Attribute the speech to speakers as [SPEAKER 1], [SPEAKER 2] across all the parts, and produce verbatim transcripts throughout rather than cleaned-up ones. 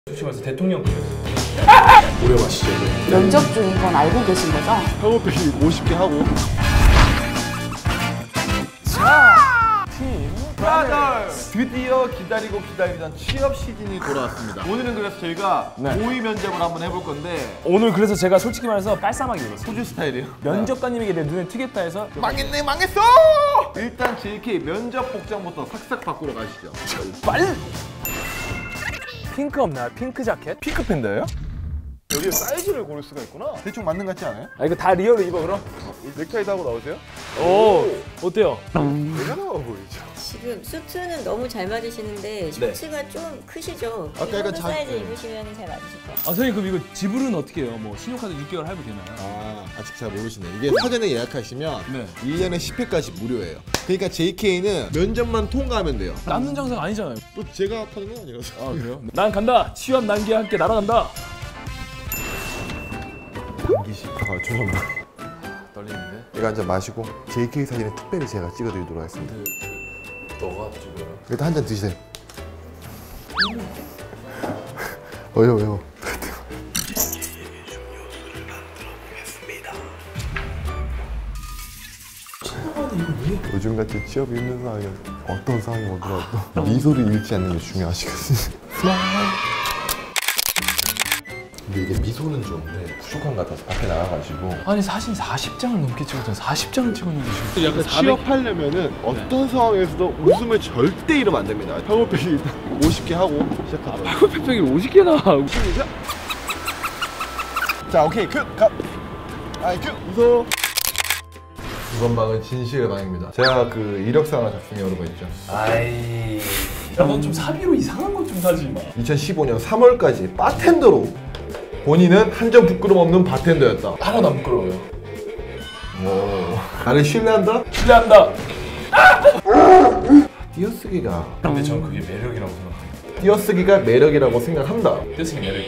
[SPEAKER 1] 솔직히 말해서 대통령 급이었어요. 오래 마시죠.
[SPEAKER 2] 면접 중인 건 알고 계신 거죠?
[SPEAKER 3] 협업비 오십 개 하고.
[SPEAKER 1] 자, 팀
[SPEAKER 3] 브라더스! 드디어 기다리고 기다리던 취업 시즌이 돌아왔습니다. 오늘은 그래서 저희가
[SPEAKER 1] 네.
[SPEAKER 3] 모의 면접을 한번 해볼 건데
[SPEAKER 1] 오늘 그래서 제가 솔직히 말해서 깔쌈하게 입었어요.
[SPEAKER 3] 소주 스타일이에요.
[SPEAKER 1] 면접관님에게 내 눈에 튀겠다 해서
[SPEAKER 3] 망했네 망했어! 일단 제이케이 면접 복장부터 삭삭 바꾸러 가시죠.
[SPEAKER 1] 빨리! 핑크 없나요? 핑크 자켓?
[SPEAKER 3] 핑크 팬더예요?
[SPEAKER 4] 여기 사이즈를 고를 수가 있구나.
[SPEAKER 3] 대충 맞는 것 같지 않아요?
[SPEAKER 1] 아 이거 다 리얼로 입어 그럼?
[SPEAKER 4] 넥타이도 하고 나오세요?
[SPEAKER 1] 오 어때요?
[SPEAKER 4] 내가 나와 보이죠.
[SPEAKER 5] 지금 수트는 너무 잘 맞으시는데 셔츠가 좀 크시죠?
[SPEAKER 3] 아까 약간 자-
[SPEAKER 5] 사이즈
[SPEAKER 3] 네.
[SPEAKER 5] 입으시면 잘 맞으실 거예요.
[SPEAKER 1] 아 선생님 그럼 이거 지불은 어떻게 해요? 뭐 신용카드 육 개월 할부 되나요?
[SPEAKER 3] 아 아직 잘 모르시네. 이게 사전에 예약하시면
[SPEAKER 1] 네.
[SPEAKER 3] 일 년에 십 회까지 무료예요. 그러니까 제이케이는 면접만 통과하면 돼요.
[SPEAKER 1] 남는 장사가 아니잖아요.
[SPEAKER 3] 또 제가 파는 건 아니라서.
[SPEAKER 1] 아 그래요? 난 간다! 취업 난기와 함께 날아간다!
[SPEAKER 4] 단기식. 아 죄송합니다.
[SPEAKER 1] 떨리는데?
[SPEAKER 4] 이거 한 잔 마시고 제이케이 사진에 특별히 제가 찍어드리도록 하겠습니다.
[SPEAKER 1] 너가 찍어요?
[SPEAKER 4] 일단 한 잔 드시세요. 왜요 왜요? 요즘같이 취업이 힘든 상황에 어떤 상황이 오더라도 미소를 잃지 않는 게 중요하시거든요. 근데 이게 미소는 좋은데 부족한 것 같아서 밖에 나가가지고
[SPEAKER 1] 아니 사진 사십 장을 넘게 찍었잖아. 사십 장을 찍었는데 지금
[SPEAKER 3] 약간 취업하려면은 어떤 상황에서도 웃음을 절대 잃으면 안 됩니다. 협업비 일단 오십 개 하고 시작하도록.
[SPEAKER 1] 팩팩이 오십 개나
[SPEAKER 3] 시작. 자 오케이 큐 가. 아이 큐 웃어. 이번 방은 진실의 방입니다. 제가 그 이력서 하나 작성해 오는 거 있죠.
[SPEAKER 1] 아이 넌 좀 사비로 이상한 것 좀 사지 마.
[SPEAKER 3] 이천십오 년 삼월까지 바텐더로 본인은 한 점 부끄럼 없는 바텐더였다.
[SPEAKER 1] 하나도 안 부끄러워요.
[SPEAKER 3] 오. 나를 신뢰한다?
[SPEAKER 1] 신뢰한다!
[SPEAKER 3] 띄어쓰기가
[SPEAKER 1] 근데 저는 그게 매력이라고 생각해요.
[SPEAKER 3] 띄어쓰기가 매력이라고 생각한다.
[SPEAKER 1] 떼쓰기 매력.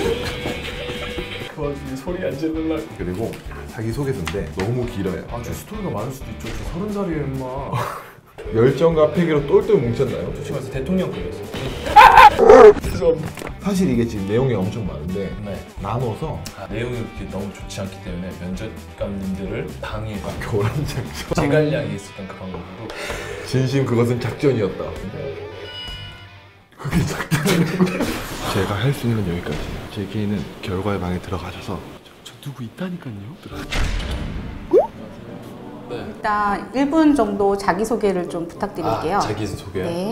[SPEAKER 1] 그 와중에 소리 안 지르려고.
[SPEAKER 3] 그리고 자기소개서인데 너무 길어요.
[SPEAKER 1] 아저 스토리가 많을 수도 있죠. 저 서른 살이에요 임마.
[SPEAKER 3] 열정과 패기로 똘똘 뭉쳤나요?
[SPEAKER 1] 솔직히 말해서 대통령급이었어요. 죄송합니다.
[SPEAKER 3] 사실 이게 지금 내용이 엄청 많은데
[SPEAKER 1] 네.
[SPEAKER 3] 나눠서
[SPEAKER 1] 아, 내용이 그렇게 너무 좋지 않기 때문에 면접관님들을 방해해서
[SPEAKER 3] 교란 작전.
[SPEAKER 1] 제갈량이 있었던 그 방법으로
[SPEAKER 3] 진심 그것은 작전이었다. 그게 작전이라고? 제가 할 수 있는 건 여기까지. 제이케이는 결과의 방에 들어가셔서
[SPEAKER 1] 저 누구 있다니까요. 네.
[SPEAKER 2] 일단 일 분 정도 자기소개를 좀 부탁드릴게요.
[SPEAKER 1] 아, 자기소개요?
[SPEAKER 2] 네.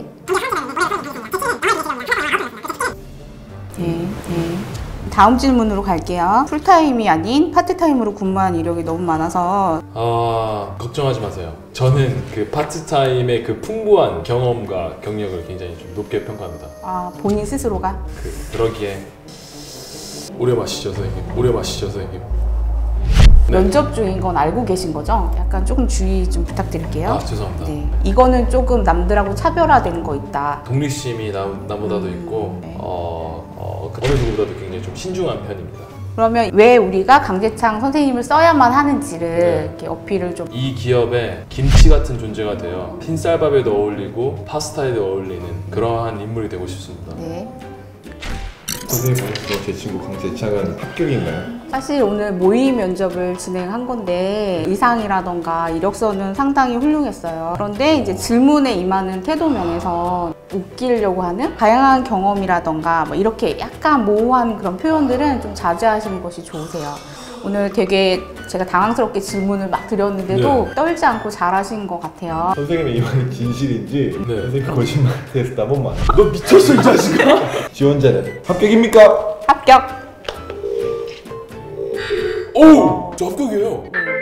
[SPEAKER 2] 네, 네. 다음 질문으로 갈게요. 풀타임이 아닌 파트타임으로 근무한 이력이 너무 많아서
[SPEAKER 6] 아 걱정하지 마세요. 저는 그 파트타임의 그 풍부한 경험과 경력을 굉장히 좀 높게 평가합니다.
[SPEAKER 2] 아, 본인 스스로가?
[SPEAKER 6] 그 그러기에 오래 마시죠 선생님. 오래 마시죠 선생님. 네.
[SPEAKER 2] 면접 중인 건 알고 계신 거죠? 약간 조금 주의 좀 부탁드릴게요.
[SPEAKER 6] 아 죄송합니다.
[SPEAKER 2] 네, 이거는 조금 남들하고 차별화된 거 있다.
[SPEAKER 6] 독립심이 나, 나보다도 있고
[SPEAKER 2] 네.
[SPEAKER 6] 어, 어, 그 어느 누구보다도 굉장히 좀 신중한 편입니다.
[SPEAKER 2] 그러면 왜 우리가 강재창 선생님을 써야만 하는지를
[SPEAKER 6] 네.
[SPEAKER 2] 이렇게 어필을 좀.
[SPEAKER 6] 이 기업에 김치 같은 존재가 되어 흰쌀밥에도 어울리고 파스타에도 어울리는 그러한 인물이 되고 싶습니다.
[SPEAKER 2] 네.
[SPEAKER 3] 선생님 반갑습니다. 제 친구 강재창은 합격인가요?
[SPEAKER 2] 사실 오늘 모의 면접을 진행한 건데 의상이라던가 이력서는 상당히 훌륭했어요. 그런데 이제 질문에 임하는 태도면에서 웃기려고 하는 다양한 경험이라던가 뭐 이렇게 약간 모호한 그런 표현들은 좀 자제하시는 것이 좋으세요. 오늘 되게 제가 당황스럽게 질문을 막 드렸는데도
[SPEAKER 6] 네.
[SPEAKER 2] 떨지 않고 잘하신 것 같아요.
[SPEAKER 3] 선생님의 이 말이 진실인지
[SPEAKER 6] 네.
[SPEAKER 3] 선생님 거짓말 테스트 한 번만.
[SPEAKER 1] 너 미쳤어 이 자식아?
[SPEAKER 3] 지원자는 합격입니까?
[SPEAKER 2] 합격!
[SPEAKER 6] 오! 저 합격이에요.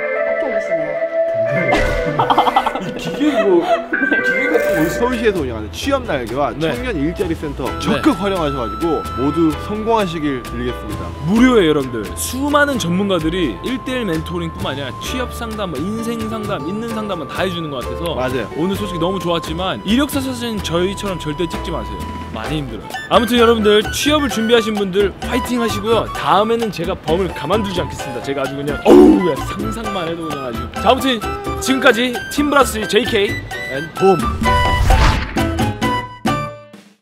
[SPEAKER 2] 합격이시네요.
[SPEAKER 1] 이 기계 이거 기계 같은 거 있어?
[SPEAKER 3] 서울시에서 운영하는 취업 날개와
[SPEAKER 1] 네.
[SPEAKER 3] 청년 일자리 센터 적극 활용하셔가지고 모두 성공하시길 빌겠습니다.
[SPEAKER 1] 무료예요 여러분들. 수많은 전문가들이 일 대일 멘토링뿐만 아니라 취업 상담, 뭐 인생 상담, 있는 상담은 다 해주는 것 같아서
[SPEAKER 3] 맞아요.
[SPEAKER 1] 오늘 솔직히 너무 좋았지만 이력서 사진 저희처럼 절대 찍지 마세요. 많이 힘들어요. 아무튼 여러분들 취업을 준비하신 분들 화이팅 하시고요. 다음에는 제가 범을 가만두지 않겠습니다. 제가 아주 그냥 어우 야, 상상만 해도 그냥 아주. 자 아무튼 지금까지 팀브라스 제이케이 앤 봄